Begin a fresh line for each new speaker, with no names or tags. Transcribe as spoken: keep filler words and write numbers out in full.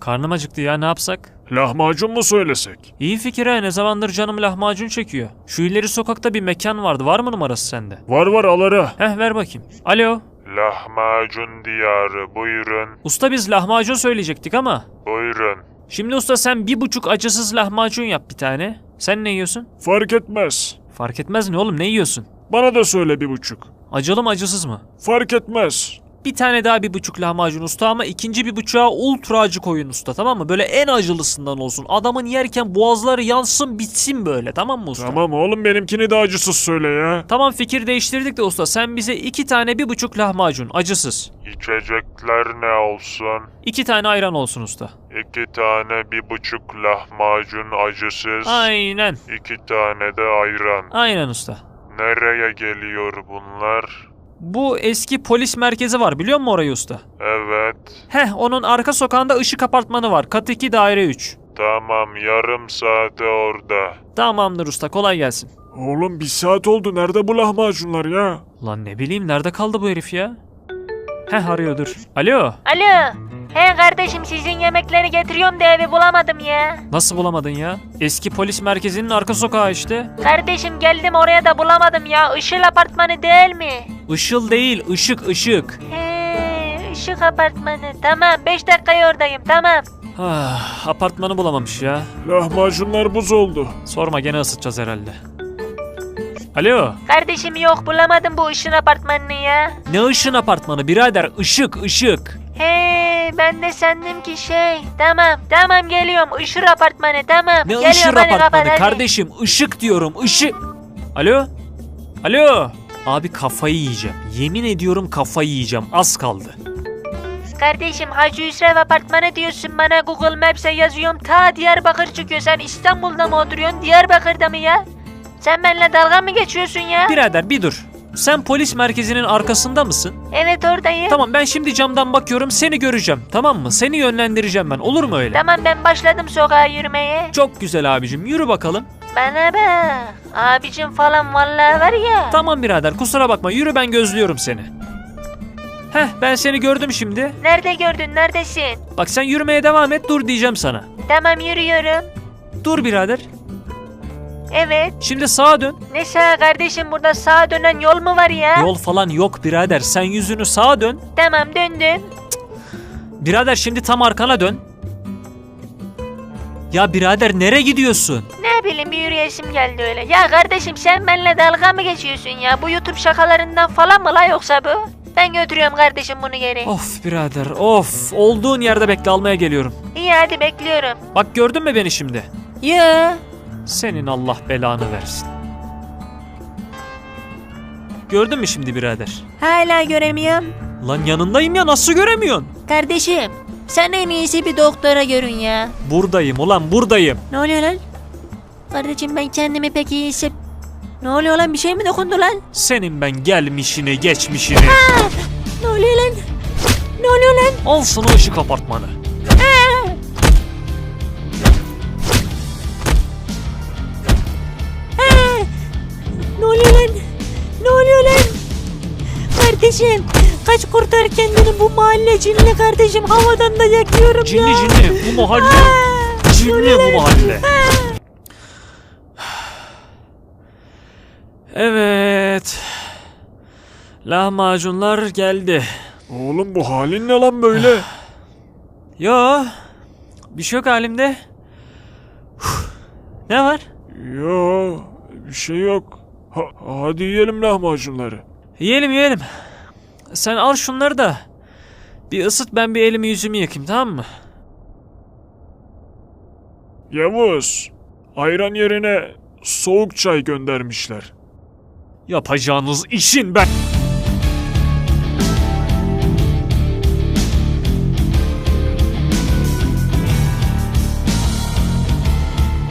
Karnım acıktı ya, ne yapsak?
Lahmacun mu söylesek?
İyi fikir ha, ne zamandır canım lahmacun çekiyor. Şu ileri sokakta bir mekan vardı, var mı numarası sende?
Var var al ara.
Heh, ver bakayım. Alo.
Lahmacun diyarı buyurun.
Usta biz lahmacun söyleyecektik ama.
Buyurun.
Şimdi usta sen bir buçuk acısız lahmacun yap bir tane. Sen ne yiyorsun?
Fark etmez.
Fark etmez ne oğlum, ne yiyorsun?
Bana da söyle bir buçuk.
Acılı mı acısız mı?
Fark etmez.
Bir tane daha bir buçuk lahmacun usta ama ikinci bir buçuğa ultra acı koyun usta, tamam mı? Böyle en acılısından olsun. Adamın yerken boğazları yansın bitsin böyle, tamam mı usta?
Tamam oğlum, benimkini de acısız söyle ya.
Tamam, fikir değiştirdik de usta, sen bize iki tane bir buçuk lahmacun acısız.
İçecekler ne olsun?
İki tane ayran olsun usta.
İki tane bir buçuk lahmacun acısız.
Aynen.
İki tane de ayran.
Aynen usta.
Nereye geliyor bunlar?
Bu eski polis merkezi var, biliyor musun orayı usta?
Evet.
Heh, onun arka sokağında ışık apartmanı var. Kat iki daire üç.
Tamam, yarım saate orada.
Tamamdır usta, kolay gelsin.
Oğlum bir saat oldu, nerede bu lahmacunlar ya?
Lan ne bileyim, nerede kaldı bu herif ya? Heh, arıyor, dur. Alo.
Alo. He kardeşim, sizin yemekleri getiriyorum da evi bulamadım ya.
Nasıl bulamadın ya? Eski polis merkezinin arka sokağı işte.
Kardeşim geldim oraya da bulamadım ya. Işıl apartmanı değil mi?
Işıl değil, ışık ışık.
He, Işık apartmanı. Tamam, beş dakikaya oradayım, tamam.
Ah, apartmanı bulamamış ya.
Lahmacunlar buz oldu.
Sorma, gene ısıtacağız herhalde. Alo.
Kardeşim yok, bulamadım bu Işıl apartmanını ya.
Ne ışın apartmanı birader? Işık ışık.
He, ben de sandım ki şey. Tamam, tamam geliyorum. Işıl apartmanı, tamam.
Ne
geliyorum,
ışır
hadi
apartmanı
kapat, hadi.
kardeşim? Işık diyorum, ışık. Alo. Alo. Abi kafayı yiyeceğim. Yemin ediyorum kafayı yiyeceğim. Az kaldı.
Kardeşim Hacı Hüsrev apartmanı diyorsun bana, Google Maps'e yazıyorum. Ta Diyarbakır çıkıyor. Sen İstanbul'da mı oturuyorsun, Diyarbakır'da mı ya? Sen benimle dalga mı geçiyorsun ya?
Birader bir dur. Sen polis merkezinin arkasında mısın?
Evet oradayım.
Tamam, ben şimdi camdan bakıyorum, seni göreceğim, tamam mı? Seni yönlendireceğim ben, olur mu öyle?
Tamam, ben başladım sokağa yürümeye.
Çok güzel abicim, yürü bakalım.
Bana bak. Abicim falan vallahi var ya.
Tamam birader, kusura bakma, yürü, ben gözlüyorum seni. Heh, ben seni gördüm şimdi.
Nerede gördün, neredesin?
Bak sen yürümeye devam et, dur diyeceğim sana.
Tamam yürüyorum.
Dur birader.
Evet.
Şimdi sağa dön.
Ne sağa kardeşim, burada sağa dönen yol mu var ya?
Yol falan yok birader, sen yüzünü sağa dön.
Tamam döndüm.
Birader şimdi tam arkana dön. Ya birader nereye gidiyorsun?
Ne bileyim, bir yürüyesim geldi öyle. Ya kardeşim sen benimle dalga mı geçiyorsun ya? Bu YouTube şakalarından falan mı la yoksa bu? Ben götürüyorum kardeşim bunu geri.
Of birader of, olduğun yerde bekle, almaya geliyorum.
İyi hadi bekliyorum.
Bak gördün mü beni şimdi?
Ya.
Senin Allah belanı versin. Gördün mü şimdi birader?
Hala göremiyorum.
Lan yanındayım ya, nasıl göremiyorsun?
Kardeşim sen en iyisi bir doktora görün ya.
Buradayım ulan, buradayım.
Ne oluyor lan? Kardeşim ben kendimi pek iyi hisset... Ne oluyor lan, bir şey mi dokundu lan?
Senin ben gelmişini geçmişini.
Aa! Ne oluyor lan? Ne oluyor lan?
Al sana ışık apartmanı.
Aa! Aa! Ne oluyor lan? Ne oluyor lan? Kardeşim kaç, kurtar kendini, bu mahalle cinli kardeşim, havadan da yakıyorum
Cinli
ya.
cinli bu mahalle.
Aa!
Cinli bu mahalle. Evet. Lahmacunlar geldi.
Oğlum bu halin ne lan böyle?
Yo. Bir şey yok halimde. Ne var?
Yo, bir şey yok. Ha, hadi yiyelim lahmacunları.
Yiyelim yiyelim. Sen al şunları da bir ısıt, ben bir elimi yüzümü yıkayayım, tamam mı?
Yavuz, ayran yerine soğuk çay göndermişler.
Yapacağınız işin ben...